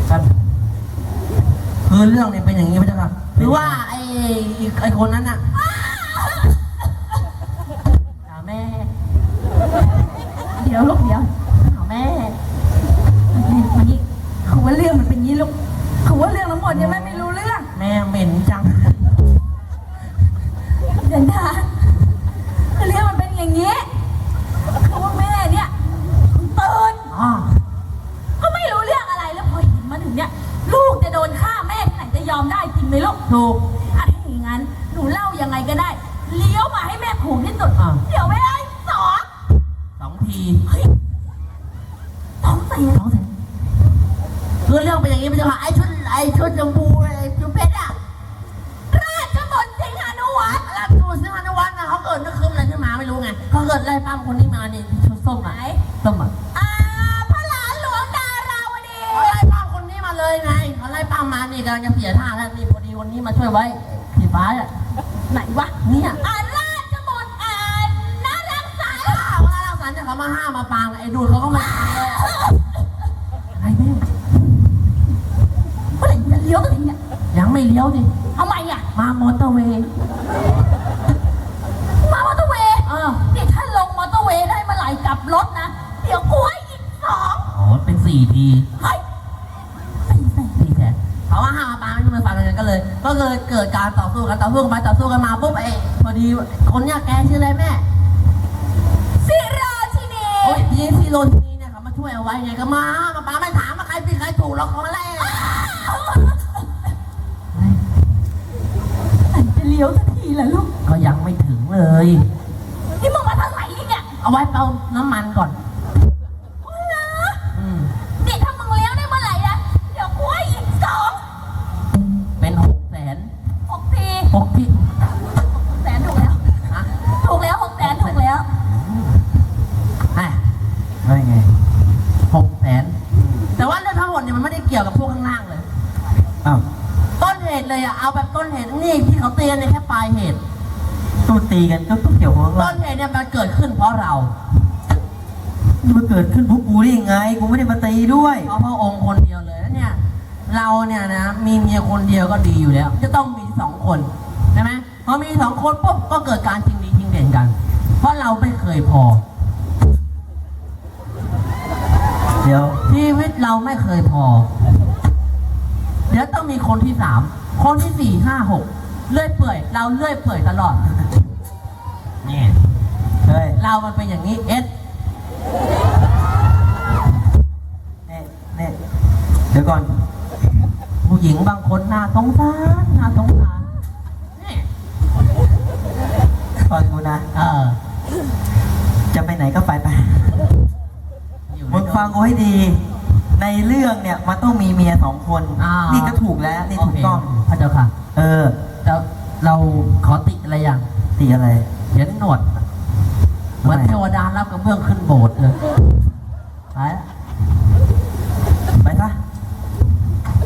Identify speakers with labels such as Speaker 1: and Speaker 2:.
Speaker 1: ครับคือเรื่องเนี่ยเป็นอย่างนี้พระเจ้าค่ะหรือว่าไอ้คนนั้นน่ะแม่
Speaker 2: เดี๋ยวลูกเดี๋ยวแม่มานี่คือว่าเรื่องมันเป็นงี้ลูกคือว่าเรื่องทั้งหมดเนี่ยแม่ไม่รู้เรื่อง
Speaker 1: แม่เหม็นจัง
Speaker 2: เดินทางคือเรื่องมันเป็นอย่างนี้คือว่าแม่เนี่ยตื่นก็ไม่รู้เรื่องอะไรแล้วพอเห็นมาถึงเนี่ยลูกจะโดนฆ่าแม่ที่ไหนจะยอมได้จริงไหมลูก
Speaker 1: ถูก
Speaker 2: ถ้าอย่างนั้นหนูเล่ายังไงก็ได้เลี้ยวมาให้แม่ผูกที่สุดเดี๋ยวไม่ได้
Speaker 1: สองที
Speaker 2: 2 แสน
Speaker 1: คือเรื่องเป็นอย่างนี้พระเจ้าค่ะไอ้ชุดชมพูไอ้ชุดเพชรอะ
Speaker 2: ราชบุตรสิงหานุวัฒน์
Speaker 1: ราชบุตรสิงหานุวัฒน์นะเขาเกิดนึกคืนอะไรขึ้นมาไม่รู้ไงเขาเกิดไล่ปั้มคนนี้มานี่ชุดส้มไหนส้มอ่ะ
Speaker 2: พระหลานหลวงดาราวดี
Speaker 1: เขาไล่ปั้มคนนี้มาเลยไงเขาไล่ปั้มมานี่กำลังจะเสียท่าแล้วนี่พอดีคนนี้มาช่วยไว้ผีฟ้าอ่ะ
Speaker 2: ไหนวะ
Speaker 1: เนี่ย
Speaker 2: ราชบุตรน่ารักสาร
Speaker 1: น่ารักสารจะเขามาห้ามมาปางไอ้ดูดเขาก็มาเลยไอ้แม่
Speaker 2: เมื่อไหร่จะเลี้ยวกันเนี่ย
Speaker 1: ยังไม่เลี้ยวดิ
Speaker 2: ทำไมอ่ะ
Speaker 1: มามอเตอร์เวย์
Speaker 2: นี่ถ้าลงมอเตอร์เวย์ได้เมื่อไหร่กลับรถนะเดี๋ยวกูให้อีก2
Speaker 1: เป็น4 ที
Speaker 2: เฮ้ย
Speaker 1: 4 แสนเขาว่าห้ามมาปางไม่มาฟังกันก็เลยเกิดการต่อสู้กันไปต่อสู้กันมาปุ๊บพอดีคนเนี้ยแกชื่ออะไรแม่
Speaker 2: สิราชินี
Speaker 1: โอ้ยยีซีโรชินีเนี่ยเขามาช่วยเอาไว้ไงก็มาปางไม่ถามว่าใครผิดใครถูกหรอกเขาอะไร
Speaker 2: จะเลี้ยวสักทีเหรอลูก
Speaker 1: ก็ยังไม่ถึงเลย
Speaker 2: นี่มึงมาทางไหนเนี่ย
Speaker 1: เอาไว้เติมน้ำมันก่อน
Speaker 2: นี่ถ้ามึงเลี้ยวได้เมื่อไหร่นะเดี๋ยวกูให้อีก2
Speaker 1: เป็น6 แสน
Speaker 2: 6 ที
Speaker 1: 6 ที
Speaker 2: 6 แสนถูกแล้วถูกแล้ว6 แสนถูกแล้ว
Speaker 1: ได้ไง6 แสนแต่ว่าเรื่องทั้งหมดเนี่ยมันไม่ได้เกี่ยวกับพวกข้างล่างเลยต้นเหตุเลยอะเอาแบบต้นเหตุนี่ที่เขาเตือนเนี่ยแค่ปลายเหตุ
Speaker 3: ตู้ตีกันก็ต้องเกี่ยวกับ
Speaker 1: ต้นเหตุเนี่ยมันเกิดขึ้นเพราะเรา
Speaker 3: มันเกิดขึ้นเพราะกูได้ยังไงกูไม่ได้มาตีด้วย
Speaker 1: เพราะพระองค์คนเดียวเลยแล้วเนี่ยเราเนี่ยนะมีเมียคนเดียวก็ดีอยู่แล้วจะต้องมี2 คนใช่ไหมพอมี2 คนปุ๊บก็เกิดการชิงดีชิงเด่นกันเพราะเราไม่เคยพอ
Speaker 3: เดี๋ยว
Speaker 1: ชีวิตเราไม่เคยพอเดี๋ยวต้องมีคนที่3 คนที่ 4 5 6เลื่อยเปื่อยเราเลื่อยเปื่อยตลอดนี่เรามันเป็นอย่างนี้
Speaker 3: เนี่ยเดี๋ยวก่อน
Speaker 1: ผู้หญิงบางคนน่าสงสารนี่
Speaker 3: ฟังกูนะจะไปไหนก็ไปมึงฟังกูให้ดีในเรื่องเนี่ยมันต้องมีเมีย2 คนนี่ก็ถูกแล้วนี่ถูกต้อง
Speaker 1: พระเจ้าค่ะแล้วเราขอติอะไรอย่าง
Speaker 3: ติอะไร
Speaker 1: เห็นหนวดเหมือนเทวดารับกระเบื้องขึ้นโบสถ์เลย